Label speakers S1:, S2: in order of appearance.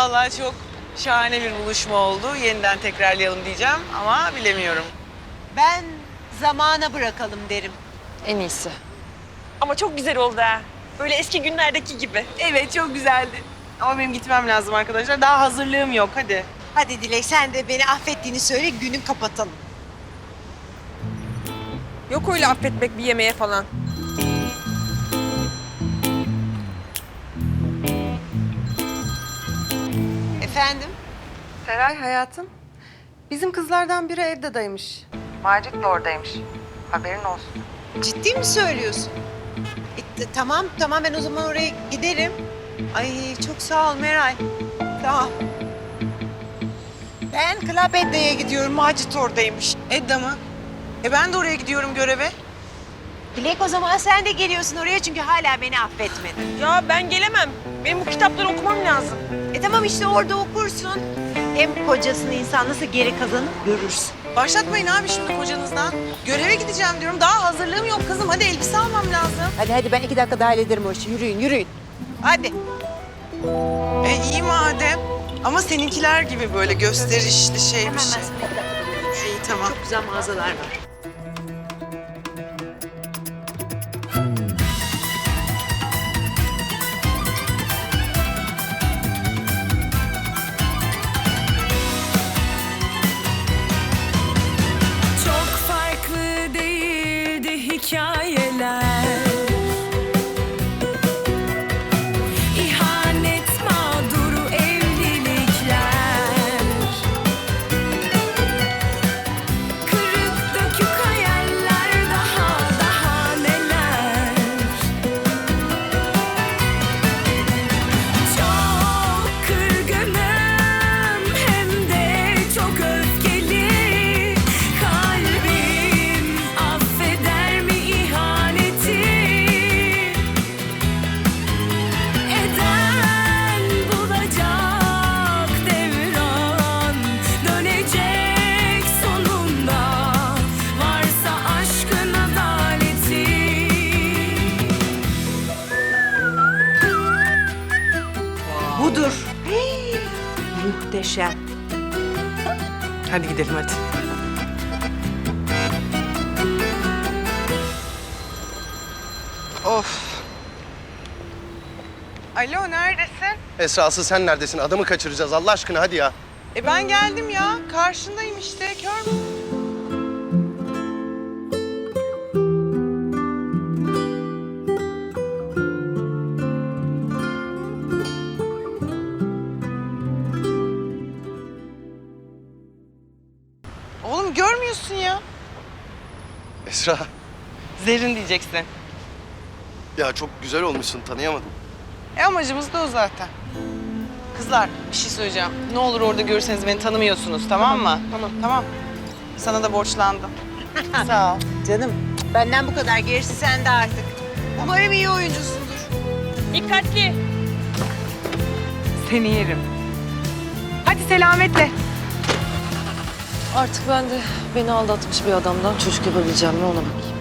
S1: Vallahi çok şahane bir buluşma oldu. Yeniden tekrarlayalım diyeceğim ama bilemiyorum.
S2: Ben zamana bırakalım derim.
S3: En iyisi.
S4: Ama çok güzel oldu ha. Böyle eski günlerdeki gibi.
S1: Evet, çok güzeldi. Ama benim gitmem lazım arkadaşlar. Daha hazırlığım yok, hadi.
S2: Hadi Dilek sen de beni affettiğini söyle günü kapatalım.
S4: Yok öyle affetmek bir yemeğe falan.
S2: Efendim?
S5: Seray hayatım, bizim kızlardan biri evde daymış. Macit de oradaymış. Haberin olsun.
S2: Ciddi mi söylüyorsun? Tamam ben o zaman oraya giderim. Ay çok sağ ol Meral. Sağ ol. Ben Club Edda'ya gidiyorum. Macit oradaymış.
S1: Edda mı? Ben de oraya gidiyorum göreve.
S2: Dilek o zaman sen de geliyorsun oraya çünkü hala beni affetmedin.
S4: Ya ben gelemem. Benim bu kitapları okumam lazım.
S2: Tamam işte orada okursun. Hem kocasını insan nasıl geri kazanıp görürsün.
S1: Başlatmayın abi şimdi kocanızdan. Göreve gideceğim diyorum. Daha hazırlığım yok kızım. Hadi elbise almam lazım.
S2: Hadi ben 2 dakika daha hallederim o işi. Yürüyün. Hadi.
S1: İyi madem. Ama seninkiler gibi böyle gösterişli şey bir şey. İyi tamam.
S2: Çok güzel mağazalar var.
S6: Çok farklı değildi hikayeler. İhanet mağduru evlilikler. Kırık dökük hayaller daha neler. Çok kırgınım hem de çok öfkeli. Kalbim affeder mi ihaneti? Eden bulacak devran, dönecek sonunda. Varsa aşkın adaleti.
S2: Budur. Muhteşem.
S1: Hadi gidelim hadi. Of. Alo neredesin?
S7: Esra asıl sen neredesin? Adamı kaçıracağız Allah aşkına hadi ya.
S1: Ben geldim ya. Karşındayım işte. Kör mü? Oğlum görmüyorsun ya.
S7: Esra
S1: Zerrin diyeceksin.
S7: ya çok güzel olmuşsun tanıyamadım.
S1: Amacımız da o zaten. Kızlar bir şey söyleyeceğim. Ne olur orada görürseniz beni tanımıyorsunuz tamam mı? Tamam. Sana da borçlandım. Sağ ol.
S2: Canım benden bu kadar gerisi sende artık. Umarım iyi oyuncusundur.
S4: Dikkatli.
S1: Seni yerim. Hadi selametle.
S3: Artık ben de beni aldatmış bir adamdan çocuk yapabileceğim mi ona bakayım.